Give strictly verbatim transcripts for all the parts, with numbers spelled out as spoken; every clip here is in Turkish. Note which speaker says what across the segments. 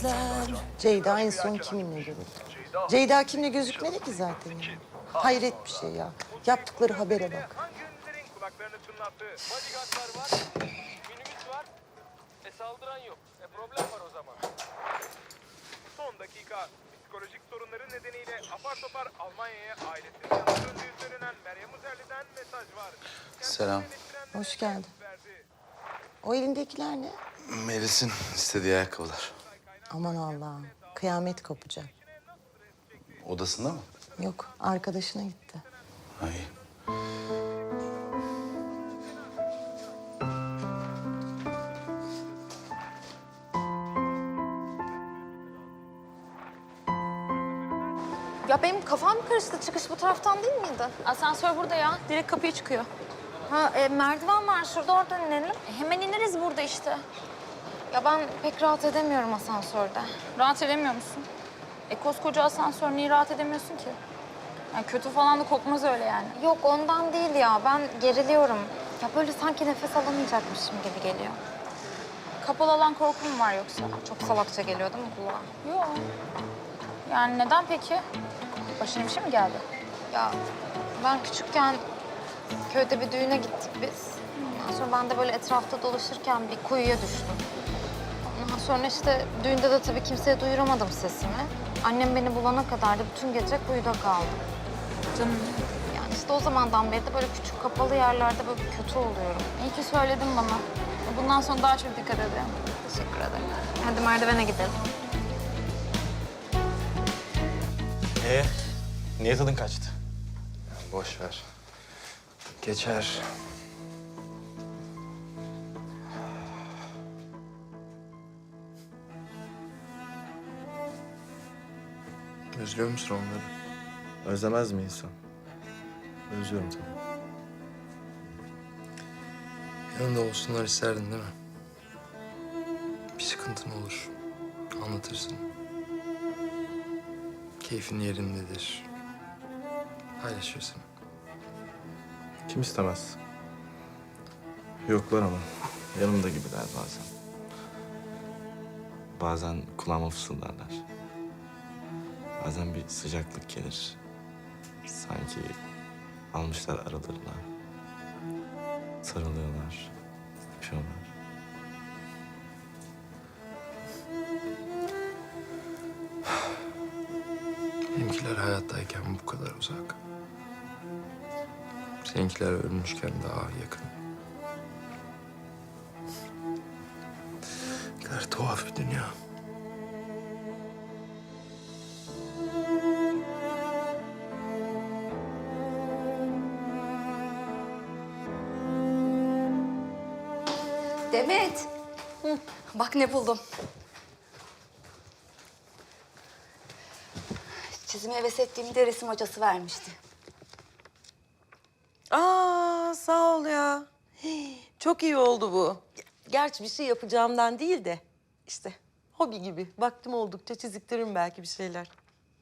Speaker 1: gözler.
Speaker 2: Ceyda en son kiminle görüldü? Ceyda kimle gözükmedi ki zaten ya. Hayret bir şey ya. Yaptıkları habere bak.
Speaker 3: Hanginizlerin kulaklarını çınlattı? Bodyguardlar var, minibüs var. E saldıran yok. E problem var o zaman. Son dakika. Psikolojik sorunları nedeniyle apar topar Almanya'ya ailesinin yanına döndüğü söylenen Meryem Uzerli'den mesaj var.
Speaker 4: Selam.
Speaker 2: Hoş geldin. O elindekiler ne?
Speaker 4: Melis'in istediği ayakkabılar.
Speaker 2: Aman Allah'ım. Kıyamet kopacak.
Speaker 4: Odasında mı?
Speaker 2: Yok, arkadaşına gitti.
Speaker 4: Ay.
Speaker 5: Ya benim kafam karıştı. Çıkış bu taraftan değil miydi?
Speaker 6: Asansör burada ya. Direkt kapıya çıkıyor.
Speaker 5: Ha e, merdiven var şurada, oradan inelim.
Speaker 6: E, hemen ineriz burada işte.
Speaker 5: Ya ben pek rahat edemiyorum asansörde.
Speaker 6: Rahat edemiyor musun? E koskoca asansör, niye rahat edemiyorsun ki? Yani kötü falan da kokmaz öyle yani.
Speaker 5: Yok ondan değil ya. Ben geriliyorum. Ya böyle sanki nefes alamayacakmışım gibi geliyor.
Speaker 6: Kapalı alan korkum var yoksa?
Speaker 5: Çok salakça geliyor değil mi kulağa?
Speaker 6: Yok. Yani neden peki? Başına bir şey mi geldi?
Speaker 5: Ya ben küçükken köyde bir düğüne gittik biz. Ondan sonra ben de böyle etrafta dolaşırken bir kuyuya düştüm. Ondan sonra işte düğünde de tabii kimseye duyuramadım sesimi. Annem beni bulana kadar da bütün gece kuyuda kaldım.
Speaker 6: Canım.
Speaker 5: Yani işte o zamandan beri de böyle küçük kapalı yerlerde böyle bir kötü oluyorum.
Speaker 6: İyi ki söyledin bana. Bundan sonra daha çok dikkat edeyim.
Speaker 5: Teşekkür ederim. Hadi merdivene gidelim.
Speaker 7: Ee, niye tadın kaçtı? Boş ver. Geçer. Özlüyor musun onları? Özlemez mi insan? Özlüyorum tabii. Yanında olsunlar isterdin değil mi? Bir sıkıntın olur. Anlatırsın. Keyfin yerindedir. Paylaşırsın.
Speaker 8: Kim istemez? Yoklar ama yanımda gibiler bazen. Bazen kulağıma fısıldarlar. Bazen bir sıcaklık gelir. Sanki almışlar aralarına. Sarılıyorlar, öpüyorlar.
Speaker 7: Benimkiler hayattayken bu kadar uzak. Seninkiler ölmüşken daha yakın. Ne kadar tuhaf bir dünya.
Speaker 9: Demet. Hı, bak ne buldum. Çizime heves ettiğimde resim hocası vermişti.
Speaker 2: Aa, sağ ol ya. Hii, çok iyi oldu bu. Gerçi bir şey yapacağımdan değil de işte hobi gibi. Vaktim oldukça çiziktiririm belki bir şeyler.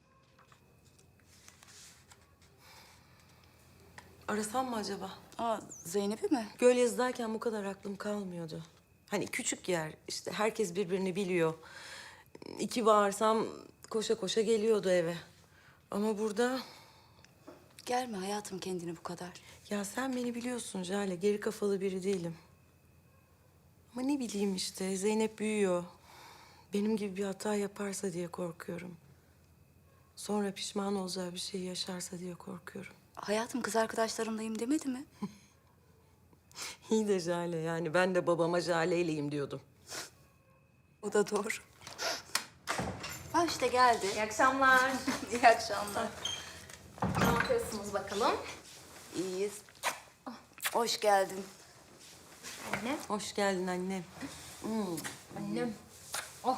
Speaker 2: Arasam mı acaba?
Speaker 9: Aa, Zeynep'i mi?
Speaker 2: Göl yazıdayken bu kadar aklım kalmıyordu. Hani küçük yer, işte herkes birbirini biliyor. İki bağırsam koşa koşa geliyordu eve. Ama burada...
Speaker 9: Gelme hayatım kendini bu kadar.
Speaker 2: Ya sen beni biliyorsun Jale, geri kafalı biri değilim. Ama ne bileyim işte, Zeynep büyüyor. Benim gibi bir hata yaparsa diye korkuyorum. Sonra pişman olacağı bir şey yaşarsa diye korkuyorum.
Speaker 9: Hayatım kız arkadaşlarımdayım demedi mi?
Speaker 2: İyi de Jale, yani ben de babama Jale'yleyim diyordum.
Speaker 9: O da doğru. Ha işte geldi.
Speaker 6: İyi akşamlar.
Speaker 9: İyi akşamlar.
Speaker 6: Ne yapıyorsunuz bakalım?
Speaker 9: İyiyiz. Hoş geldin.
Speaker 6: Anne.
Speaker 2: Hoş geldin annem. Hmm.
Speaker 6: Annem. Oh.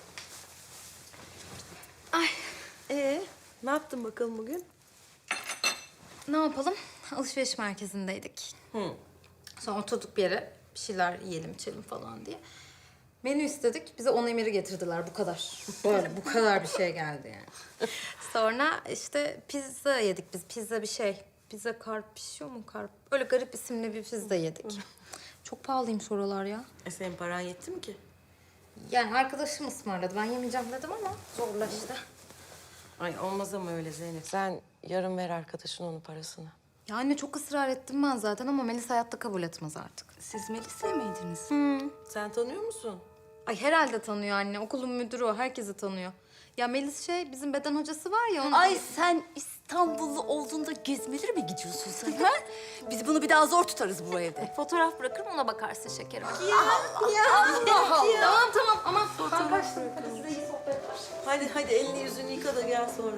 Speaker 2: Ay. Ee, ne yaptın bakalım bugün?
Speaker 5: Ne yapalım? Alışveriş merkezindeydik.
Speaker 2: Hı.
Speaker 5: Sonra oturduk bir yere bir şeyler yiyelim içelim falan diye. Menü istedik. Bize on emiri getirdiler bu kadar. Böyle bu kadar bir şey geldi yani. Sonra işte pizza yedik biz. Pizza bir şey. Pizza karpişiyor mu? Karp. Öyle garip isimli bir pizza yedik. Çok pahalıymış oralar ya.
Speaker 2: E senin paran yetti mi ki?
Speaker 5: Yani arkadaşım ısmarladı. Ben yemeyeceğim dedim ama zorlaştı.
Speaker 2: Ay olmaz ama öyle Zeynep. Sen yarın ver arkadaşın onun parasını.
Speaker 5: Ya anne çok ısrar ettim ben zaten ama Melis hayatta kabul etmez artık.
Speaker 9: Siz Melis'e miydiniz?
Speaker 2: Sen tanıyor musun?
Speaker 5: Ay herhalde tanıyor anne. Okulun müdürü o. Herkesi tanıyor. Ya Melis şey bizim beden hocası var ya. Onun...
Speaker 9: Ay sen İstanbullu olduğunda gezmeleri mi gidiyorsun sen? Ha? Biz bunu bir daha zor tutarız bu evde.
Speaker 5: Fotoğraf bırakırım ona bakarsın şekerim. Ya, Allah Allah. Tamam tamam aman. Ben kaçtım. Hadi size iyi sohbetler.
Speaker 2: Hadi hadi elini yüzünü yıka da gel sonra.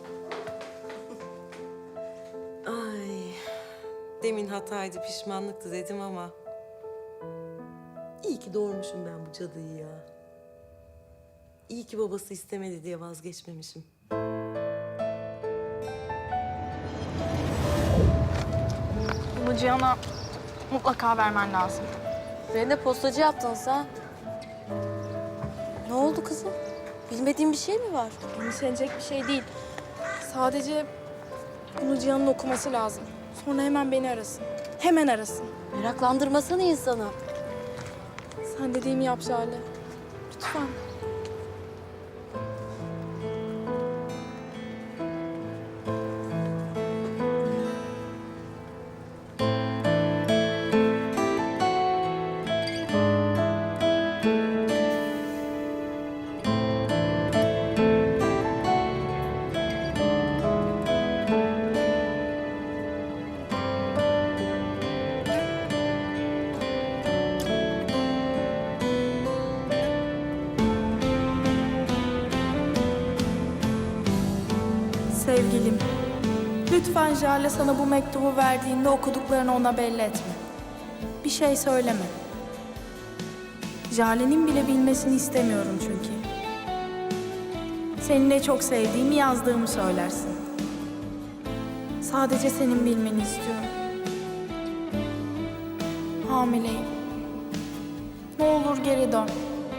Speaker 2: Ay. Demin hataydı, pişmanlıktı dedim ama... İyi ki doğurmuşum ben bu cadıyı ya. İyi ki babası istemedi diye vazgeçmemişim.
Speaker 6: Bunu Cihan'a mutlaka vermen lazım.
Speaker 1: Beni de postacı yaptın sen. Ne oldu kızım? Bilmediğin bir şey mi var?
Speaker 6: Endişelenecek bir şey değil. Sadece bunu Cihan'ın okuması lazım. Sonra hemen beni arasın. Hemen arasın.
Speaker 1: Meraklandırmasana insanı.
Speaker 6: Sen dediğimi yap Jale. Lütfen.
Speaker 10: Sevgilim, lütfen Jale sana bu mektubu verdiğinde okuduklarını ona belli etme. Bir şey söyleme. Jale'nin bile bilmesini istemiyorum çünkü. Seni ne çok sevdiğimi yazdığımı söylersin. Sadece senin bilmeni istiyorum. Hamileyim. Ne olur geri dön.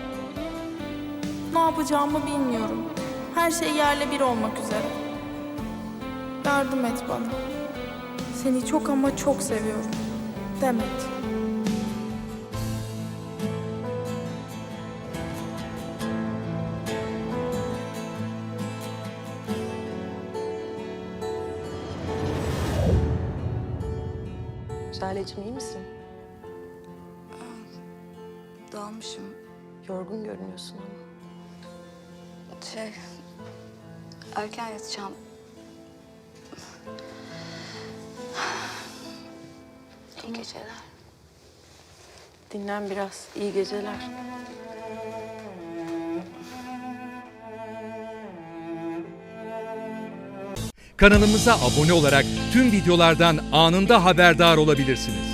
Speaker 10: Ne yapacağımı bilmiyorum. Her şey yerle bir olmak üzere. Yardım et bana. Seni çok ama çok seviyorum. Demet.
Speaker 2: Şalecim iyi misin?
Speaker 9: Dalmışım.
Speaker 2: Yorgun görünüyorsun ama.
Speaker 9: Şey, erken yatacağım. İyi geceler.
Speaker 2: Dinlen biraz. İyi geceler.
Speaker 11: Kanalımıza abone olarak tüm videolardan anında haberdar olabilirsiniz.